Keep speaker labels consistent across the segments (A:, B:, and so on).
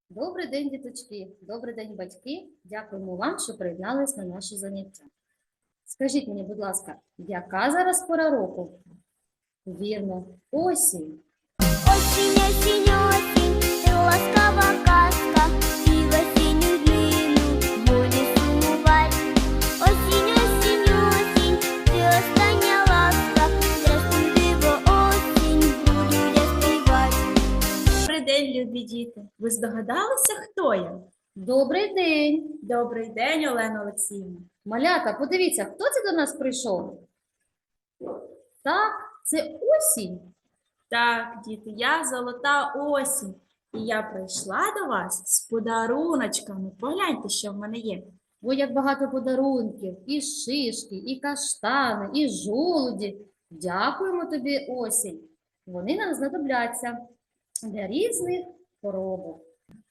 A: Добрий день, діточки! Добрий день, батьки! Дякуємо вам, що приєднались на наше заняття. Скажіть мені, будь ласка, яка зараз пора року? Вірно, осінь.
B: Осінь, осінь, осінь, ти ласкава казка, і в осінню днину буде сумувати. Осінь, осінь, осінь, ти остання ласка, здрастуй, диво, осінь, буду я співати.
C: Добрий день, любі діти. Ви здогадалися, хто я?
A: Добрий день!
C: Добрий день, Олена Олексіївна.
A: Малята, подивіться, хто це до нас прийшов? Так, це осінь.
C: Так, діти, я золота осінь. І я прийшла до вас з подаруночками. Погляньте, що в мене є.
A: Ой, як багато подарунків, і шишки, і каштани, і жолуді. Дякуємо тобі, осінь. Вони нам знадобляться для різних поробок.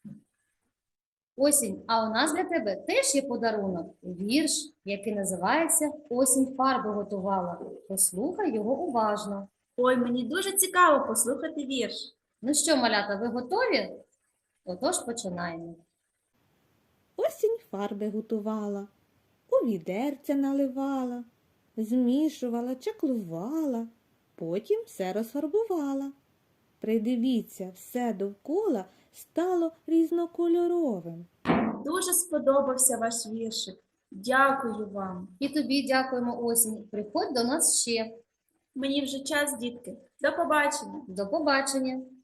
A: Осінь, а у нас для тебе теж є подарунок. Вірш, який називається «Осінь фарби готувала». Послухай його уважно.
C: Ой, мені дуже цікаво послухати вірш.
A: Ну що, малята, ви готові? Отож, починаємо.
D: Осінь фарби готувала, у відерця наливала, змішувала, чаклувала, потім все розфарбувала. Придивіться, все довкола стало різнокольоровим.
C: Дуже сподобався ваш віршик. Дякую вам.
A: І тобі дякуємо, осінь. Приходь до нас ще.
C: Мені вже час, дітки. До побачення.
A: До побачення.